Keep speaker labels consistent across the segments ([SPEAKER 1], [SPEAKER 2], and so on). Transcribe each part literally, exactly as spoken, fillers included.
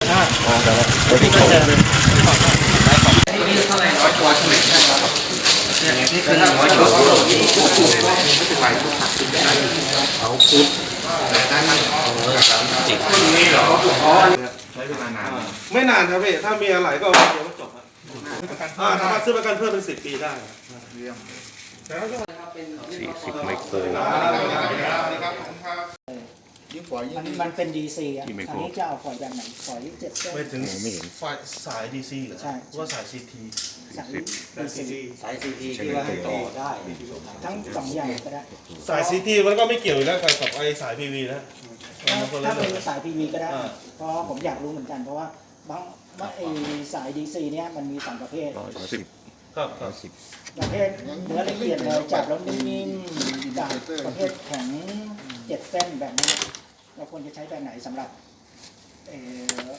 [SPEAKER 1] อ๋อแต่ละตัวที่เขาเลย
[SPEAKER 2] นี่เท่าไหร่ร้อยตัวใช่ไหมเนี่ยนี่คือร้อยตัวเอาคุดจิกนี่เหรอใช้เวลานาน
[SPEAKER 3] ไม่นานครับพี่ถ้ามีอะไรก็เดี๋ยวก็จบครับอ่าสามารถซื้อประกันเพิ่มเป็นสิบปีได้
[SPEAKER 1] สี่สิบไมโคร
[SPEAKER 4] มันมันเป็นดีซีอ่ะอันนี้จะเอาฝอยแบบไหนฝอยเจ็ดเส้น
[SPEAKER 3] ไม่ถึง
[SPEAKER 1] ไม่เห็น
[SPEAKER 3] ไฟสายดีซีเหรอ
[SPEAKER 4] ใช่
[SPEAKER 3] ว่าสายซีที
[SPEAKER 4] สายดีซี
[SPEAKER 2] สายซีทีที่ว่าต่อได้
[SPEAKER 4] ทั้งสองอย่างก็ได้
[SPEAKER 3] สายซีทีมันก็ไม่เกี่ยวอยู่แล้วกับไอสายพีวีนะ
[SPEAKER 4] ถ้าเป็นสายพีวีก็ได้เพราะผมอยากรู้เหมือนกันเพราะว่าบางว่าไอสายดีซีเนี้ยมันมีสองประเภท
[SPEAKER 1] ร้อยสิบ
[SPEAKER 3] ครับค
[SPEAKER 1] ร้
[SPEAKER 3] รั
[SPEAKER 1] อบ ยสิบ
[SPEAKER 4] ประเภทเนื้อละเอียดเลยจับแล้วนิ่มๆกับประเภทแข็งเจ็ดเส้นแบบนี้เราควรจะใช้แบบไหนสำหรับเออ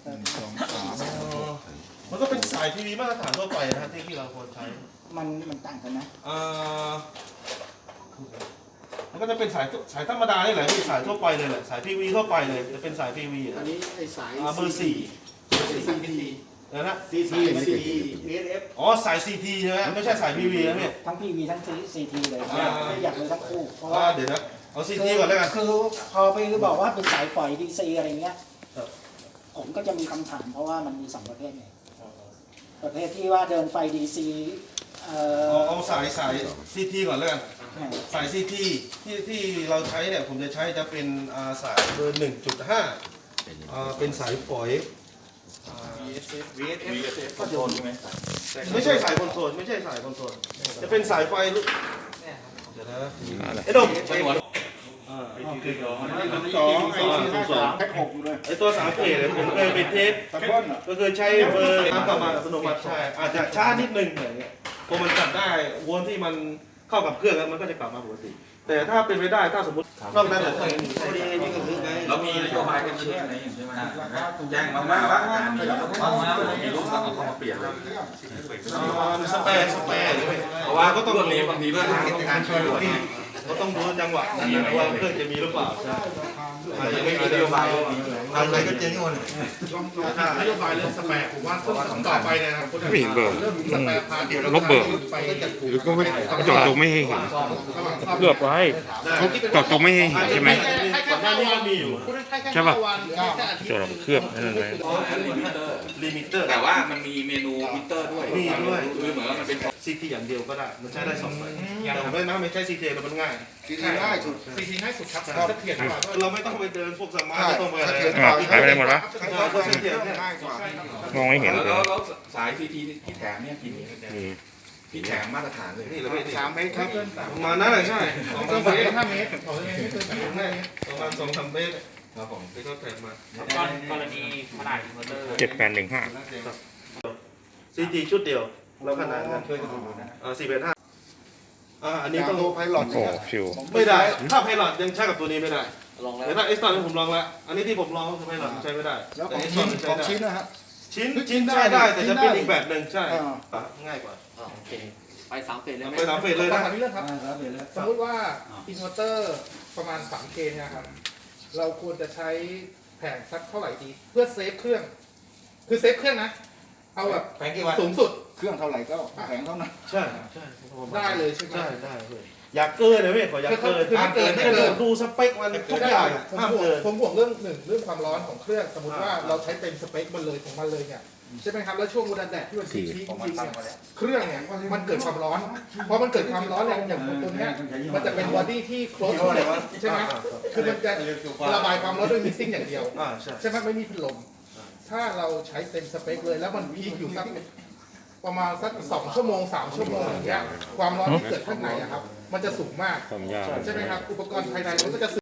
[SPEAKER 3] มันก็เป็นสายพีวีมาตรฐานทั่วไปนะที่ที่เราควรใช้
[SPEAKER 4] มันมันต่างกันนะ
[SPEAKER 3] อ่ามันก็จะเป็นสายสายธรรมดานี่แหละที่สายทั่วไปเลยแหละสายพีวีทั่วไปเลยจะเป็นสายพีวีอันนี้ไอสายเบอร์สี่นะนะซีทีอ๋อสายซีทีใช่ไหมไม่ใช่สายพีวีนะพี่
[SPEAKER 4] ทั้งพีวีทั้งซีทีเลยอยากรู้ทั้งคู่เพราะ
[SPEAKER 3] ว่า
[SPEAKER 4] ว่า
[SPEAKER 3] เดี๋ยวนะเอาซีทีก่อนแล้วกัน
[SPEAKER 4] คือพอไปบอกว่าเป็นสายฝอยดีซีอะไรเงี้ยผมก็จะมีคำถามเพราะว่ามันมีสองประเภทไงประเภทที่ว่าเดินไฟดีซีเอ่อ
[SPEAKER 3] เอาสายสายซีทีก่อนแล้วกันสายซีทีที่ที่เราใช้เนี่ยผมจะใช้จะเป็นสายเบอร์หนึ่งจุดห้าเป็นสายฝอยไม่ใช่สายคอนโทรลไม่ใช่สายคอนโทรลจะเป็นสายไฟลูกเดี๋ยวนะไอ้ดมสองไอ้สองแพ็คหกเลยไอ้ตัวสามเฟสเนี่ยผมเคยไปเทสก็คือใช้เบอร์น้ำประมาณอัตโนมัติใช่อาจจะช้านิดนึงอย่างเงี้ยพอมันจับได้วนที่มันเข้ากับเครื่องแล้วมันก็จะกลับมาปกติแต่ถ้าเป็นไปได้ถ้าสมมตินอกนั้นเนี่ย
[SPEAKER 2] เรามีนโยบายกันเชื่ออะไรอย่างใช่ไหมแจ้งมาว่าว่าการมีมีลูกเราเอาเข้ามาเปลี่ยนเลย
[SPEAKER 3] สเปรย์สเปรย์เพราะว่าก็ต้องมีบางทีเพื่อนต้องการช่วยเหลือก็ต้องดูจังหวะนั้นว่าเครื่องจะมีหรือเปล่าใช่ไม่มีนโยบายทำอะไรก็เจ๊งหมดนโยบายเรื่องสเปรย์ผมว่าต้องต่อไปเนี่ย
[SPEAKER 1] ไม่เห็นเบอร์ลบเบอร์หรือก็ไม่จอดจงไม่ให้เห็นเลือกไว้จอดจงไม่ให้เห็นใช่ไหม
[SPEAKER 3] ก่อนหน้านี้ก็มีอยู่
[SPEAKER 1] ใช่ป่ะจอดเครื่องนั่นเลย
[SPEAKER 3] ลิมิเตอร์
[SPEAKER 2] แต่ว่ามันมีเมนูมิเตอร์ด้วย
[SPEAKER 3] มีด้วย
[SPEAKER 2] คือเหมือนมันเป็น
[SPEAKER 3] ซีทีอย่างเดียวก็ได้มันใช้ได้สองแบบแต่ผมไม่นะไม่ใช่ซีทีแต่มันง่าย
[SPEAKER 5] ซีทีง่ายสุด
[SPEAKER 3] ซีทีง่ายสุดครับเสถียรกว่าเราไม่ต้องไปเดินพวกสมาร์ทไม่ต้องไปอะไร
[SPEAKER 1] หายไปไหนหมดวะ
[SPEAKER 3] เสถียรง่ายกว่าม
[SPEAKER 1] องไม่เห็นเลย
[SPEAKER 2] แล้วสายซีทีที่แถมเนี่ยกี่ที่แถมมาตรฐานเลย
[SPEAKER 3] นี่เรา
[SPEAKER 5] สามเมตรครับ
[SPEAKER 3] ประมาณนั้นเลยใช่สองสามเมตรห้าเมตรสองเมตรไม่เกินสามเมตรประมาณสองสามเมตร
[SPEAKER 2] ครับผม
[SPEAKER 3] ที่เขาแถมมาก
[SPEAKER 2] รณีขนาดอินเวอร์เตอร์
[SPEAKER 1] เจ็ดแปดหนึ่งห้า
[SPEAKER 3] ซีทีชุดเดียวแล้วขนาดนั้นอ่าสี่เป็นห้าอ่าอันนี้ต้อง
[SPEAKER 5] ไพลอต
[SPEAKER 1] โอ้ฟิว
[SPEAKER 3] ไม่ได้ถ้าไพลอตยังใช้กับตัวนี้ไม่ได้แต่ถ้าเอ็กซ์ตร้าผมลองแล้วอันนี้ที่ผมลองคือไพลอตใช้ไม่ได้
[SPEAKER 5] แล้วของชิ้นของชิ้นนะฮะ
[SPEAKER 3] ชิ้นชิ้นใช้ได้แต่จะเป็นอีกแบบหนึ่งใช่ง่ายกว่า
[SPEAKER 2] โอเคไปสามเฟสเลยไหม
[SPEAKER 3] ไปสามเฟสเลยนะ
[SPEAKER 6] เรื่องครับสมมติว่าอินเวอร์เตอร์ประมาณสามเคนะครับเราควรจะใช้แผงสักเท่าไหร่ดีเพื่อเซฟเครื่องคือเซฟเครื่องนะเอาแบบสูงสุด
[SPEAKER 5] เครื่องเท่าไหร่ก็แผงเท่านั้น
[SPEAKER 3] ใช่ใช่
[SPEAKER 6] ได้เลยใช่ไหม
[SPEAKER 3] ใช่ได้เลยอยากเกินเลยพี่ขออยากเกิน
[SPEAKER 6] คือไม่เกินไม่เกิน
[SPEAKER 3] ดูสเปคมันทุกอย่างห้ามเกิน
[SPEAKER 6] ผมห่วงเรื่องหนึ่งเรื่องความร้อนของเครื่องสมมติว่าเราใช้เต็มสเปคมันเลยของมันเลยเนี่ยใช่ไหมครับแล้วช่วงวันแดดที่มันชี้จริงๆเครื่องเนี่ยมันเกิดความร้อนเพราะมันเกิดความร้อนแรงอย่างตัวนี้มันจะเป็นบอดี้ที่โคลสใช่ไหมคือมันจะระบายความร้อนด้วยมิกซิ่งอย่างเดียวใช่ไหมไม่มีพัดลมถ้าเราใช้เต็มสเปคเลยแล้วมันพีคอยู่สักประมาณสักสองชั่วโมงสามชั่วโมงอย่างเงี้ยความร้อนที่เกิดข้างในอะครับมันจะสูงมากใช่ไหมครับอุปกรณ์ภายในมันก็จะ